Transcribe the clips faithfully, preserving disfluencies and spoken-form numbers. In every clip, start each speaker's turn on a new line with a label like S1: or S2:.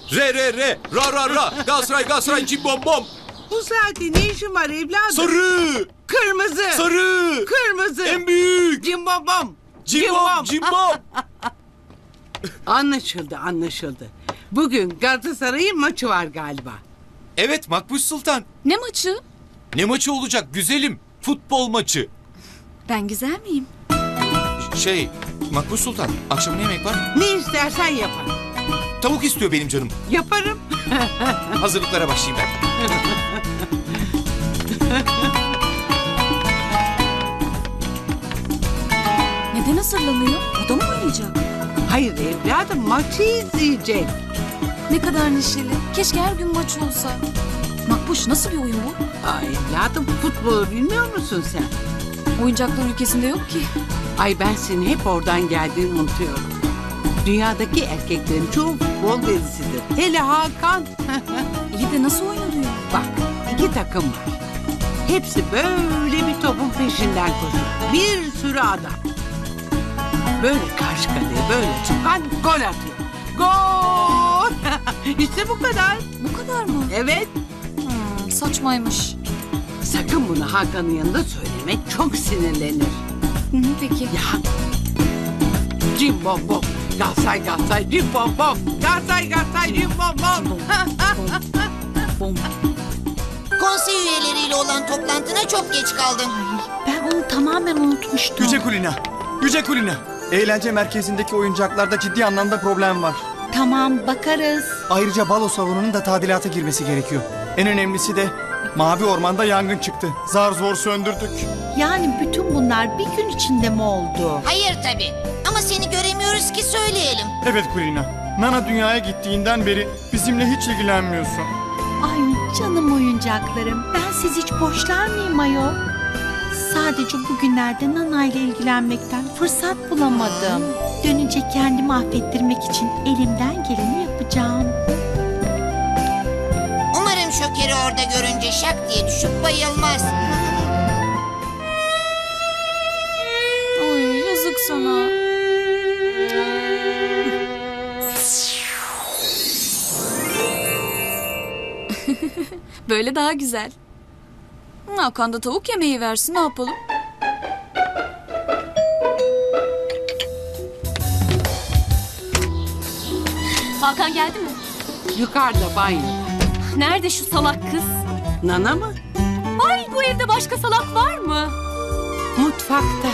S1: Re re re. Ra ra ra. Galatasaray Galatasaray cim bom bom.
S2: Bu saatte ne işin var evladım?
S1: Sarı.
S2: Kırmızı.
S1: Sarı.
S2: Kırmızı.
S1: En büyük.
S2: Cimbom bom.
S1: Cim bom cim bom.
S2: Anlaşıldı anlaşıldı. Bugün Galatasaray'ın maçı var galiba.
S1: Evet Makbuş Sultan.
S3: Ne maçı?
S1: Ne maçı olacak güzelim? Futbol maçı.
S3: Ben güzel miyim?
S1: Şey Makbuş Sultan akşam ne yemek var?
S2: Ne istersen yaparım.
S1: Tavuk istiyor benim canım.
S2: Yaparım.
S1: Hazırlıklara başlayayım ben.
S3: Neden hazırlanıyor? O da mı oynayacak?
S2: Hayır evladım maçı izleyecek.
S3: Ne kadar neşeli. Keşke her gün maç olsa. Makbuş nasıl bir oyun bu?
S2: Ay evladım futbolu bilmiyor musun sen?
S3: Oyuncaklar ülkesinde yok ki.
S2: Ay ben senin hep oradan geldiğini unutuyorum. Dünyadaki erkeklerin çoğu futbol delisidir. Hele Hakan.
S3: İyi de nasıl oynanıyor?
S2: Bak iki takım var. Hepsi böyle bir topun peşinden koşuyor. Bir sürü adam. Böyle karşı kaleye böyle çıkan gol atıyor. Gol! İşte bu kadar.
S3: Bu kadar mı?
S2: Evet.
S3: Hmm, saçmaymış.
S2: Sakın bunu Hakan'ın yanında söylemek, çok sinirlenir.
S3: Hı hı, peki.
S2: Ya. Cim bom bom. Galatasaray Galatasaray cim bom bom. Galatasaray Galatasaray cim bom bom.
S3: Bom.
S4: Konsey üyeleriyle olan toplantına çok geç kaldım.
S3: Ben onu tamamen unutmuştum.
S5: Yüce Kulina, Yüce Kulina. Eğlence merkezindeki oyuncaklarda ciddi anlamda problem var.
S6: Tamam bakarız.
S5: Ayrıca balo salonunun da tadilata girmesi gerekiyor. En önemlisi de Mavi Orman'da yangın çıktı. Zar zor söndürdük.
S6: Yani bütün bunlar bir gün içinde mi oldu?
S4: Hayır tabii. Ama seni göremiyoruz ki söyleyelim.
S5: Evet Kulina, Nana dünyaya gittiğinden beri bizimle hiç ilgilenmiyorsun.
S6: Ay canım oyuncaklarım. Ben siz hiç boşlar mıyım ayol? Sadece bugünlerde Nana ile ilgilenmekten fırsat bulamadım. Dönünce kendimi affettirmek için elimden geleni yapacağım.
S4: Umarım Şoker'i orada görünce şak diye düşüp bayılmaz.
S3: Ay yazık sana. Böyle daha güzel. Hakan da tavuk yemeği versin, ne yapalım?
S7: Hakan geldi mi?
S2: Yukarıda banyo.
S7: Nerede şu salak kız?
S2: Nana mı?
S7: Ay bu evde başka salak var mı?
S2: Mutfakta.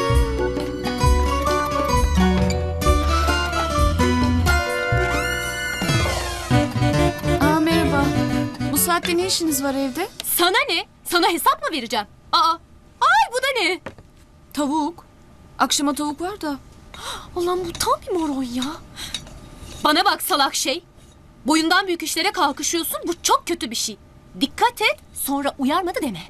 S3: Aa merhaba. Bu saatte ne işiniz var evde?
S7: Sana ne? Sana hesap mı vereceğim? Aa, ay bu da ne?
S3: Tavuk. Akşama tavuk var da.
S7: Ulan bu tam bir moron ya. Bana bak salak şey. Boyundan büyük işlere kalkışıyorsun, bu çok kötü bir şey. Dikkat et, sonra uyarmadı deme.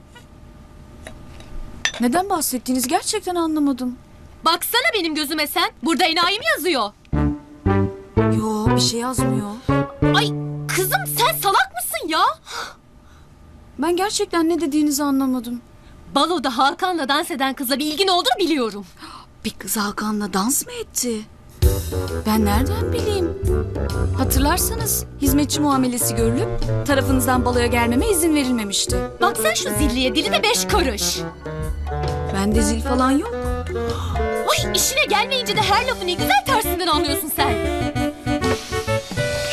S3: Neden bahsettiğinizi gerçekten anlamadım.
S7: Baksana benim gözüme sen. Burada enayi mi yazıyor?
S3: Yo bir şey yazmıyor.
S7: Ay kızım sen salak mısın ya?
S3: Ben gerçekten ne dediğinizi anlamadım.
S7: Baloda Hakan'la dans eden kızla bir ilgin olduğunu biliyorum.
S3: Bir kız Hakan'la dans mı etti? Ben nereden bileyim? Hatırlarsanız hizmetçi muamelesi görülüp tarafınızdan baloya gelmeme izin verilmemişti.
S7: Bak sen şu zilliye, dili de beş karış.
S3: Bende zil falan yok.
S7: Ay işine gelmeyince de her lafı ne güzel tersinden anlıyorsun